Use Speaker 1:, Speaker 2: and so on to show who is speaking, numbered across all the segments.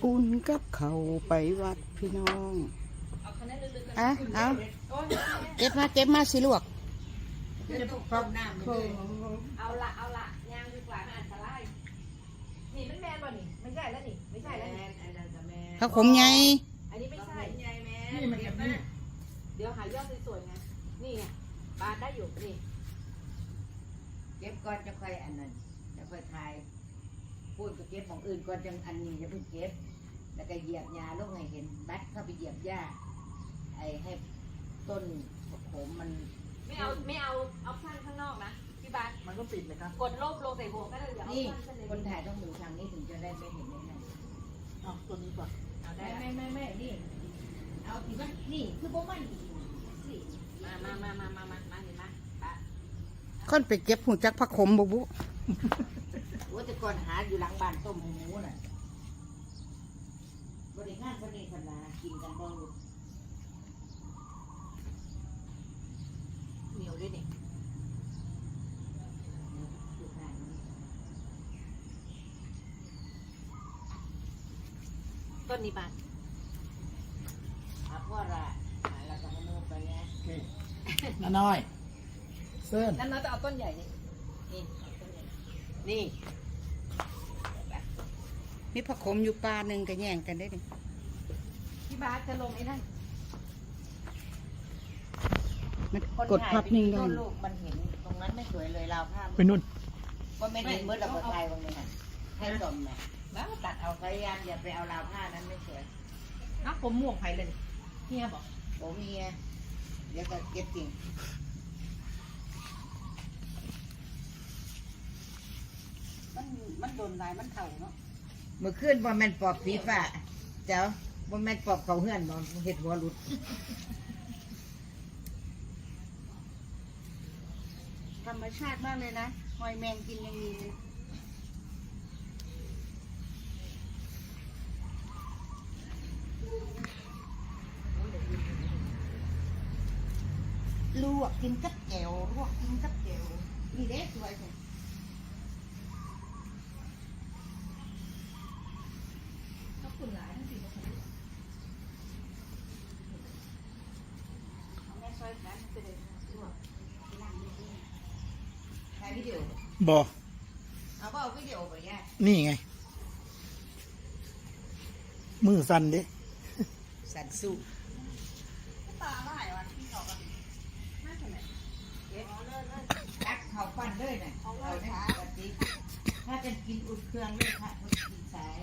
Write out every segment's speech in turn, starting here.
Speaker 1: อุ่นกับเขาไปวัดพี่น้องเอาเก็บมาสิลวก
Speaker 2: เอาละย่างดีกว่ามันอันตรายนี่มันแมนบ่นี่ไม่ใช่แล้วนี่ไม่ใช่แล้วนี่
Speaker 1: ข้าวขมไง
Speaker 2: อันนี้ไม่ใช่นี่มันแบบนี้เดี๋ยวหายอดสวยๆไงนี่ไงปาดได้อยู่นี่
Speaker 3: เก็บก่อนจะค่อยอันนั้นจะค่อยทายพูดก็เก็บของอื่นก่อนจังอันนี้จะเพิ่งเก็บแล้วก็เหยียบยาลูกไงเห็นบัดเข้าไปเหยียบหญ้าไอ้ให้ต้นผมมัน
Speaker 2: ไม่เอาสั้นข้างนอกนะพี่บาส
Speaker 4: มันก็ปิดเลยครับ
Speaker 2: กดลบลงใส่หัวก็ได้เดี๋ยว
Speaker 3: นี่คนถ่ายต้องดูทางนี้ถึงจะได้ไม่เห็นไม่
Speaker 4: เอาตัวนี้ก่อน
Speaker 3: เอาได้ไม่นี่เอาที่มันนี่คือพวกมัน
Speaker 2: มาเห็นไหมปะ
Speaker 1: ค่อนไปเก็บหูจักผักขมบุ
Speaker 3: ว่าแต่ก่อนหาอยู่หลังบ้านต้มหมูน่ะบริงานคนนี้คนละกินกันบ่
Speaker 2: เหนียวด้วยนี่ต้นนี้บาน
Speaker 3: พ่อละเราจะให้โน้ไปไง
Speaker 4: น้าน้อยเส้น
Speaker 2: นั่นเราจะเอาต้นใหญ่นี่นี่
Speaker 1: มีผักขมอยู่ปลาหนึ่งก็แย่งกันได้ดิ
Speaker 2: พี่บาสจะลงไอ้นั่น
Speaker 1: มันกดพับนิ่งได้
Speaker 3: ต้นลูกมันเห็นตรงนั้นไม่สวยเลยราวผ้า
Speaker 4: ไปนู่น
Speaker 3: ก็ไม่ได้เมื่อเราไปไทยวันนี้ให้สมเนี่ยแล้วตัดเอาพยายามอย่าไปเอาราวผ้านั้นไม่สวย
Speaker 2: นักผมม่วงไผ่เลยเฮียบอก
Speaker 3: ผมเฮียเดี๋ยวก็เก็บจริง
Speaker 2: มันโดนลายมันเข่าเนาะ
Speaker 3: เมื่อคืนบอลแมนปอบผีฝ่าเจ้าบอลแมนปอบเขาเฮือนบอลเห็ดหัวหลุด
Speaker 1: ธรรมชาติมากเลยนะหอยแมงกินยังมีลวกกินกับแก้วลวกกินกับแก้วนี่เด็กสวยเลย
Speaker 4: บอ
Speaker 3: เอาเปล่าวิดีโอไปย่า
Speaker 4: นี่ไงมือสั่นดิ
Speaker 3: สันสู้
Speaker 2: ตาลายวันที่เขาอะน่าจะไหน
Speaker 3: ตักเขาฟันเลยน่ะเอาได้ปกติถ้าจะกินอุ่นเครื่องเลยค่ะต้องกินสาย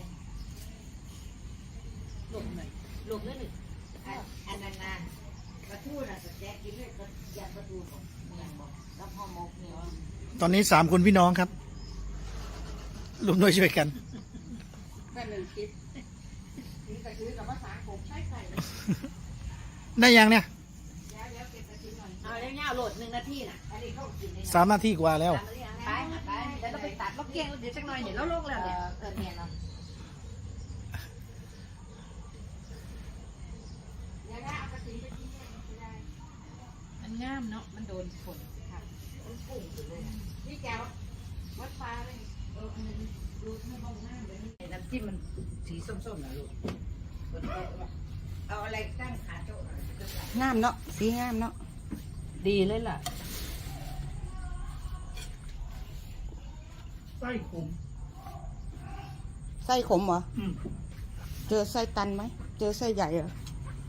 Speaker 2: หลบหน่อยหลบนิดหนึ่ง
Speaker 3: อันนั้นนะกระทู้น่ะสแต็กกินเลยก็ยันกระทู้บอกอย่างบอกแล้วพ่อมกเนี่ย
Speaker 4: ตอนนี้3 คนพี่น้องครับรวมด้วยช่วยกัน
Speaker 2: แต่หนึ่งคลิปนี่แต่คือกับภาษาผมใช่ใส่
Speaker 4: ได้ยังเนี่ย
Speaker 2: เอาแล้วเนี่ยโหลด1 นาทีน่ะอันนี้เขากินได้
Speaker 4: 3 นาทีกว่าแล้ว
Speaker 2: ไปแล้วเราไปตัดเราเกี้ยงเดี๋ยวสักหน่อยเดี๋ยวเราลงแล้วเนี่ยเนี่ยเนาะมันงามเนาะมันโดนฝนค่ะมันปุ่งเลยนี่แกวัดฟ้าเลยอันนี้ดูให้มองหน้าเลย
Speaker 3: น้ำจิ้มมันสีส้มๆนะลูกเอาอะไรตั้งขาโต๊ะ
Speaker 1: งามเนาะสีงามเนาะ
Speaker 2: ดีเลยล่ะ
Speaker 4: ไส้ขม
Speaker 1: ไส้ขมเหรอเจอไส้ตันไหมเจอไส้ใหญ่เหรอ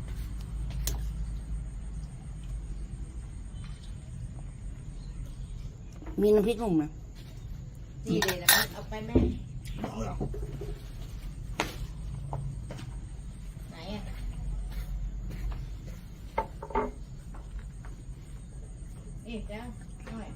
Speaker 1: มีน้ำพริกหนุ่มนะ
Speaker 3: ดีเลยนะเอาไปแม่ไหนอ่ะนี่เจ้าหน่อย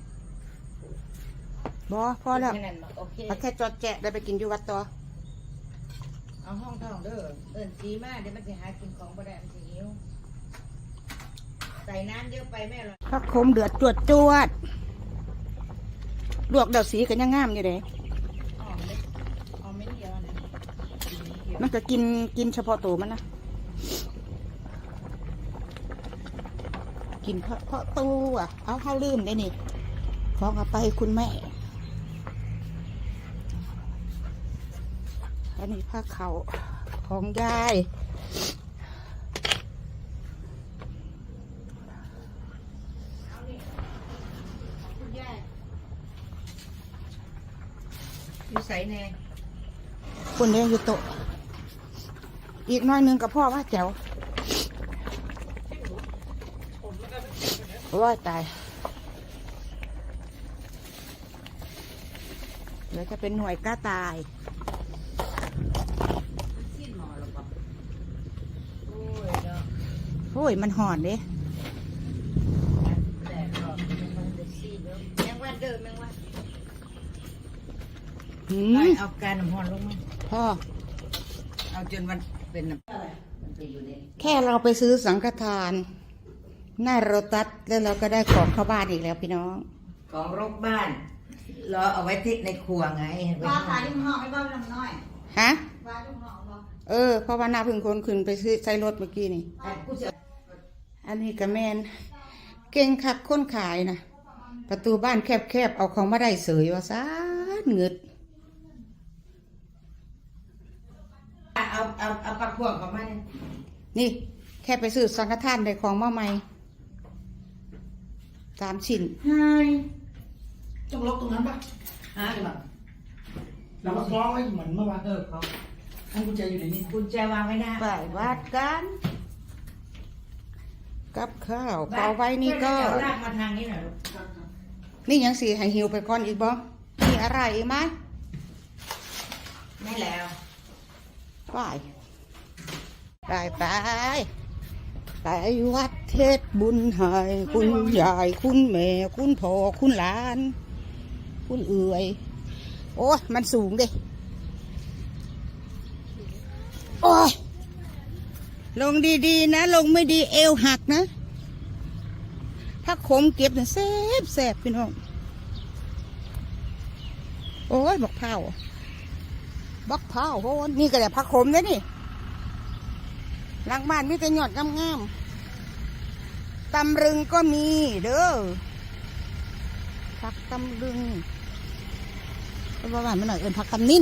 Speaker 1: พอแล้ว
Speaker 3: โอเค
Speaker 1: แค่จอดแจะได้ไปกินอยู่วัดต่อ
Speaker 3: เอาห้องท่องเด้อจีมากเดี๋ยวมันจะหากินของบ่ได้มันจะหิวใส่น้ำเยอะไปแม่หรอก
Speaker 1: ผักขมเดือดจวดลวกเดาสีกันยังงามอยู่เลย
Speaker 2: ไม่เดียวนะ
Speaker 1: มันก็กินเฉพาะตัวมันนะกินเพราะตัวเอาเข้าลืมได้นี่ฟ้องเอาไปคุณแม่อันนี้ผ้าเขาของยาย
Speaker 3: อยู่ใส่แน่
Speaker 1: คนเลี้ยงอยู่โต๊ะอีกหน้อยหนึงกับพ่อว่าแจ๋วร้อยตายเดี๋ยวจะเป็นหน่วยกล้าตาย
Speaker 3: สิ้นหมอหรอปะโอ้ยเนาะ
Speaker 1: โอ้ยมันหอนเด้
Speaker 3: แดดร้อนมันจะซีดแล้วแมงวันเดิมแมงวัน
Speaker 1: หืม
Speaker 3: เอาการน้ำร้อนลงมา
Speaker 1: พ่อ
Speaker 3: เอาจนมันเป็นน้ำมันไปอยู่ใน
Speaker 1: แค่เราไปซื้อสังฆทานหน้าโรตัสแล้วเราก็ได้ของเข้าบ้านอีกแล้วพี่น้อง
Speaker 3: ของรกบ้านรอเอาไว้ที่ในครัวไง
Speaker 2: ปลาขายที่ห้องไม่บ้าลำน้อย
Speaker 1: ฮะ
Speaker 2: ปลาที่ห้องบ่
Speaker 1: เพราะว่าหน้าพึ่งคนขึ้นไปซื้อใช้รถเมื่อกี้นี่
Speaker 3: กูจะ
Speaker 1: อันนี้กับแมนเก่งคักคนขายนะประตูบ้านแคบๆเอาของมาได้เสยว่าซานเงึด
Speaker 3: เอาปลาพวงเข้ามาเนี่ย
Speaker 1: นี่แค่ไปซื้อสังฆทานได้ของมาใหม่3 ชิ้น
Speaker 4: ต้องล็อกตรงนั้นปะ
Speaker 3: ฮะ
Speaker 4: ใช่ปะเรามาคล้องไว้เหมือนเมื่อวาน
Speaker 3: เขา
Speaker 4: ให้กุญแจอยู่ในนี้
Speaker 3: กุญแจวางไม่ได้
Speaker 1: ไปวัดกัน กับข้าวเอาไว้นี่ก็
Speaker 3: เดี๋ยวลากมาทางนี้หน่อยลูก
Speaker 1: นี่ยังสีให้หิวไปก่อนอีกบ่มีอะไรอีกไหม
Speaker 3: ไม่แล้ว
Speaker 1: ไปวัดเทศบุญให้คุณยายคุณแม่คุณพ่อคุณหลาน คุณเอื่อยโอ้ยมันสูงดิโอ้ยลงดีๆนะ ลงไม่ดีเอวหักนะถ้าขมเก็บเนี่ยแสบพี่น้องโอ้ยบักเผาโหนี่ก็แต่ผักขมเลยนี่หลังบ้านมีแต่หยอดงามๆตำรึงก็มีเด้อผักตำรึงเพราะว่าบ้านมันหน่อยเอินผักตำนิ่น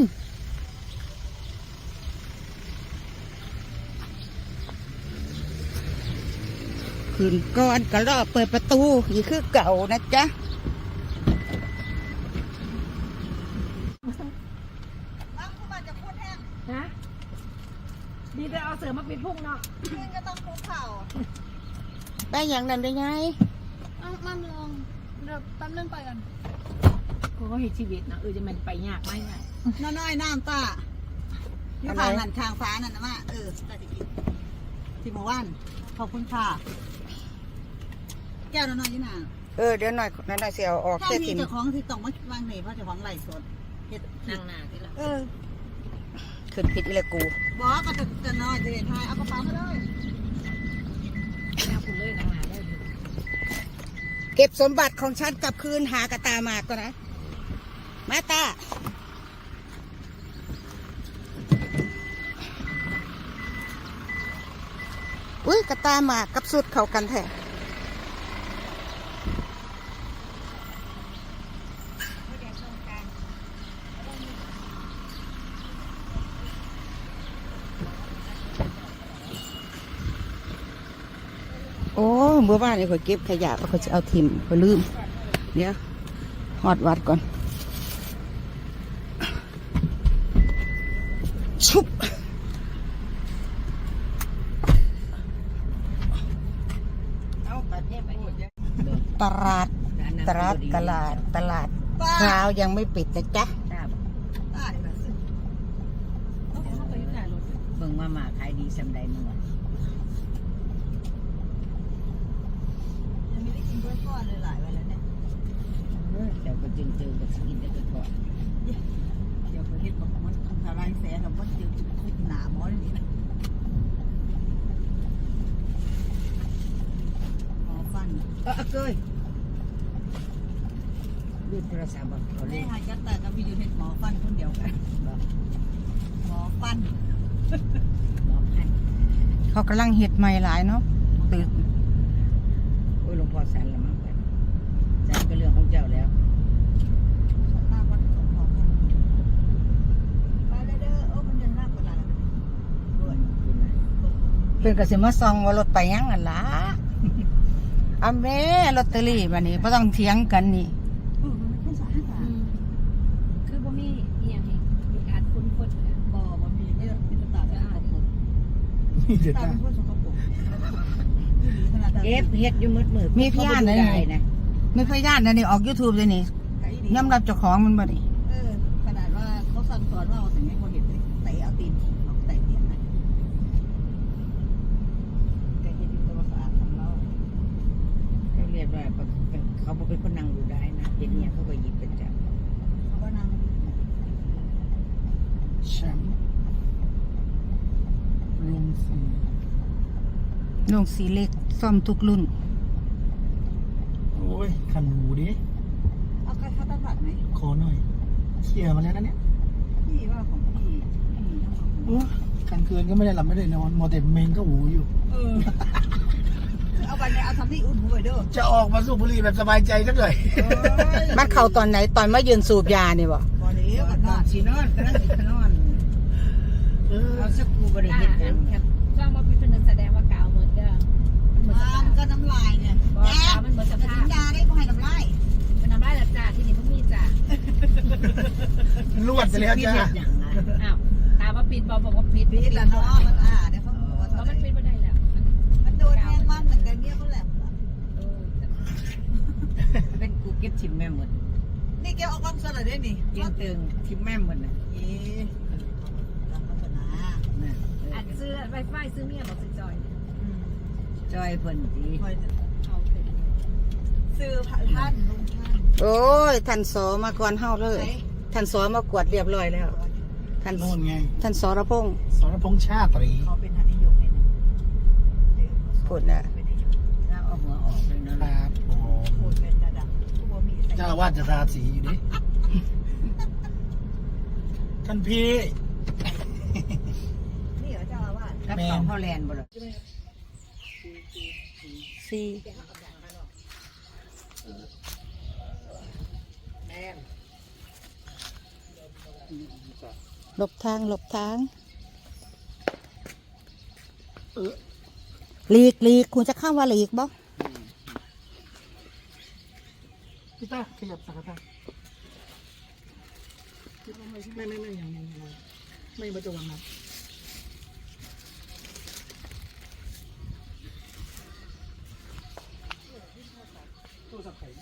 Speaker 1: คืนก่อนก็รอเปิดประตูอีกคือเก่านะจ๊ะ
Speaker 2: ฮะดีแต่เอาเสือมาปิดพุ่งเนาะ
Speaker 5: ก็ต้องคุกเข่า
Speaker 1: ได้อย่างนั้นได้ไง
Speaker 5: มั่มลงเดี๋ยวแป๊บนึงไปกัน
Speaker 2: เขาก็เห็นชีวิตนะจะมันไปยากไหมไง
Speaker 5: น้อยๆน้ำตาอยู่ทางหันทางฟ้านั่นนะว่าได้จะกินที่หมู่บ้านขอบคุณค่ะแก้วน้อยๆนี่นา
Speaker 1: เดี๋ยวหน่อยเสียออก
Speaker 5: ถ้า
Speaker 1: เสีย
Speaker 5: มี
Speaker 1: ทิม
Speaker 5: เจ้าของที่ต้องมาวางไหนเพราะเจ้าของไหลสดเฮ็ด
Speaker 3: นั่งหน้าที่เรา
Speaker 1: ขึ้นผิดอีเลยกู
Speaker 5: บอกก็จะน้อยจะเด็ดทายเอากระเป๋ามาเลย
Speaker 2: แม่คุณเลยนางหนาได้เลย
Speaker 1: เก็บสมบัติของฉันกลับคืนหากระตามาก่อนนะ มาตาอุ้ยกระตามากับสุดเข้ากันแท้โอ้เมื่อวานนี่เขาเก็บขยะเขาจะเอาทิมเขาลืมเดี๋ยวหอดวัดก่อนชุบ
Speaker 3: เอาประเทศไปหมดเลย
Speaker 1: ตลาดตลาดเช้ายังไม่ปิดนะจ๊ะ
Speaker 5: ป้าดีกว่าสิ
Speaker 2: เขาไปยุ่งหนารถ
Speaker 3: เบิ่งมาหมาขายดีสำใดเมื่อ
Speaker 5: ยังไม่ได้กินกล้วยทอดเลยหลายวันแล้วเนี่ย
Speaker 3: เดี๋ยวก็จึงเจอกับสกินได้ก็ทอด
Speaker 5: เดี๋ยวเขาเฮ็ดบอกมันทำลายแสนหรอกว่าเดี๋ยวจะคุยหนาหมอนี่นะหมอฟัน
Speaker 3: เกยดูโทรศัพท์บอกเขาเล
Speaker 5: ได้
Speaker 3: ย
Speaker 5: หาจัดแต่ก็มีอยู่เห็นหมอฟันคนเดียวกัน
Speaker 3: บอก
Speaker 5: หมอฟัน
Speaker 3: บอกให้
Speaker 1: เขากำลังเห็ดใหม่หลายเนาะตื่น
Speaker 3: โอ้ยหลวงพ่อสันละมั้งสันก็เรื่องของเจ้าแล้ว
Speaker 5: มากกว่าสองของไปเลยเด้อโอ้มันยังมากกว่าหลายแล้ว
Speaker 3: ว
Speaker 1: เป็นกระสิมาซองว่ารถไปยังกันล่ะเอาแม่ลอตเตอรี่มานี่ไม่ต้องเถียงกันนี่
Speaker 5: มันเป็น2-5 บาท
Speaker 2: คือบ่มีอีหยังอีกมีการคุ้นคนเนี่ย
Speaker 5: บ่บ่มีเนี่ยเป็นตาเป็นสกปรก
Speaker 4: นี่เด็ด
Speaker 5: ตา
Speaker 4: นะ
Speaker 5: เป็นคนสกปรกขนาด
Speaker 3: เก็บเฮ็ดอยู่มืดๆ
Speaker 1: มีพยานเลย
Speaker 3: ได้นะ
Speaker 1: ไม่พยานนะนี่ออก YouTube เลยนี่
Speaker 5: ไก่ดี
Speaker 1: ยอมรับเจ้าของมันบ่นี่
Speaker 5: ขนาดว่าเขาสั่งสอนว่าเอาสิ่งนี้คนเห็นเลยเตะเอาตีนเอาเตะเตียนนะแกเห็นอยู่ตัวสะอาดทำเรา
Speaker 3: เขาเรียกว่าเขาบ่เป็นคนนั่งดูได้นะเห็นเนี่ยเขาก็หยิบเป็นจับ
Speaker 5: เขาก็นั่ง
Speaker 4: แชมป์รวมสี
Speaker 1: ลงสีเล็กซ่อมทุกรุ่น
Speaker 4: โอ้ยขันหูดิ
Speaker 5: เอาใครเข้าตั้งผัดไหม
Speaker 4: ขอหน่อยเคลียร์มาแล้วนะเนี่ย
Speaker 5: พี่ว่าของพี่ทั้งสองคน
Speaker 4: โอ้กลางคืนก็ไม่ได้หลับไม่ได้นอนมอแต่เมงก็หูอยู่
Speaker 5: เอาไปเนี่ยเอาทำที่อุ่นหูไปเด้อ
Speaker 4: จะออกมาสูบบุหรี่แบบสบายใจสักหน่อย
Speaker 1: มันเข้าตอนไหนตอนมายืนสูบยานี่บ่
Speaker 5: พอเลี้ยวกันนอน
Speaker 3: สินอนก็นั่งสินอน
Speaker 4: เออ
Speaker 3: เอาสักกูบ่ได้เฮ็ดหยัง
Speaker 2: จ้างว่าเป็นนึงแสดงว่ากาวเหมือนเดิมมันเหมือนส
Speaker 5: มั
Speaker 2: ภาพ
Speaker 5: นก็น้ำลายเนี่ย
Speaker 2: บ่กาวมันเหมือนส
Speaker 5: แต่
Speaker 2: ภา
Speaker 5: สั
Speaker 2: พ
Speaker 5: ญญาได้บ่ให้น้ำลาย
Speaker 2: มันทำได้แล้วจ้าที่นี่มันมีจ้า
Speaker 4: ลวดไปแล้ว
Speaker 3: พี่
Speaker 4: จ้า
Speaker 3: เฮ็ดหยังนะ
Speaker 2: อ้าวตามว่าปิดบอกว่าปิด
Speaker 5: ปีละเนาะมันเดี๋ยวเขาบอกว่า
Speaker 2: เพราะมันปิดไม่ได้แล้ว
Speaker 5: มันโดนแทงมันตั้งแต่เมียเขาแหลม
Speaker 3: เป็นกูเก็บทิมแม่หมด
Speaker 5: นี่แกเอากล้องสลัดได้นี่
Speaker 3: ยิงตึงทิมแม่หมดน่ะ
Speaker 5: เอ๊ะตามพัฒนา
Speaker 3: น่ะ
Speaker 2: อันซื้อไวไฟซื้อเมียบอกซื้อจอย
Speaker 3: จอยเพิ่นสิ
Speaker 5: คอย
Speaker 2: เอาเป็น
Speaker 5: ซื้อท่านลุงท่าน
Speaker 1: โอ้ยท่านสอมาก่อนเฮาเลย ท่านสอมากวดเรียบร้อยแล้ว ท่าน
Speaker 4: โน่นไง
Speaker 1: ท่านสรพงษ์
Speaker 4: สรพงษ์ชาตรี
Speaker 5: เขาเป็นหันนิยมเนี่ย
Speaker 1: พูดน่ะ
Speaker 3: ถ้าเอาหัวออกเลยนะครับ
Speaker 4: ผม
Speaker 5: พูดเป็นระดับผู้บ่มี
Speaker 4: เจ้าอาวาสจะทาสีอยู่ดิท่านพี่
Speaker 5: นี่เหรอเจ้าอาวาส
Speaker 3: กับของเขาแลนบ่ล่ะ
Speaker 1: สี่ หลบทางหลบทางหลีกหลีกคุณจะเข้าว่าหลีกบ่
Speaker 4: พี่ต้าขยับสักกระทะไม่ยังไม่มาจะวางนะตู้สับไข่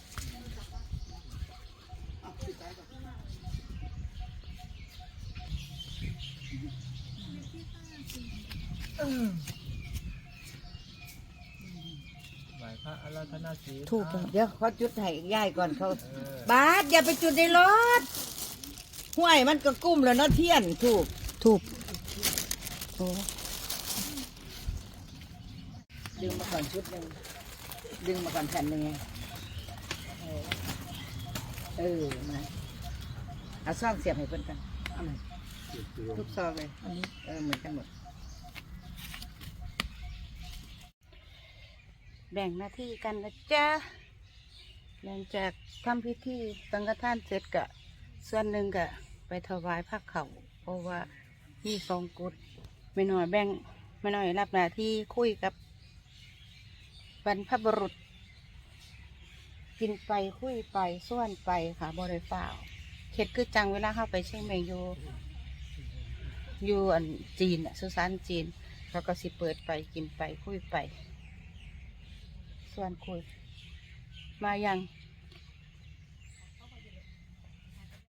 Speaker 1: ถูกแล้ว
Speaker 3: เดี๋ยวเขาจุดให้ยายก่อนเขาบาสอย่าไปจุดในรถห้วยมันก็กุ้มแล้วเนาะเทียนถูก
Speaker 1: ถูกโอ้
Speaker 3: ดึงมาก่อนชุดหนึงดึงมาก่อนแผ่นหนึงไงมาเอาซ่องเสียบให้เพิ่นกันเอามาทุกซองเลยอันนี้เหมือนกันหมด
Speaker 1: แบ่งหน้าที่กันนะจ๊ะหลังจากทำพิธีสังฆทานเสร็จกะส่วนหนึ่งกะไปถวายพระเขาเพราะว่ามีสองกุศไม่น้อยแบ่งไม่น้อยรับหน้าที่คุยกับบรรพบุรุษ กินไปคุยไปส่วนไปค่ะบริฟ้าวเข็ดคือจังเวลาเข้าไปเชียงใหม่อยู่อันจีนสุสานจีนเขาก็สิเปิดไปกินไปคุยไป ส่วนคุยมายัง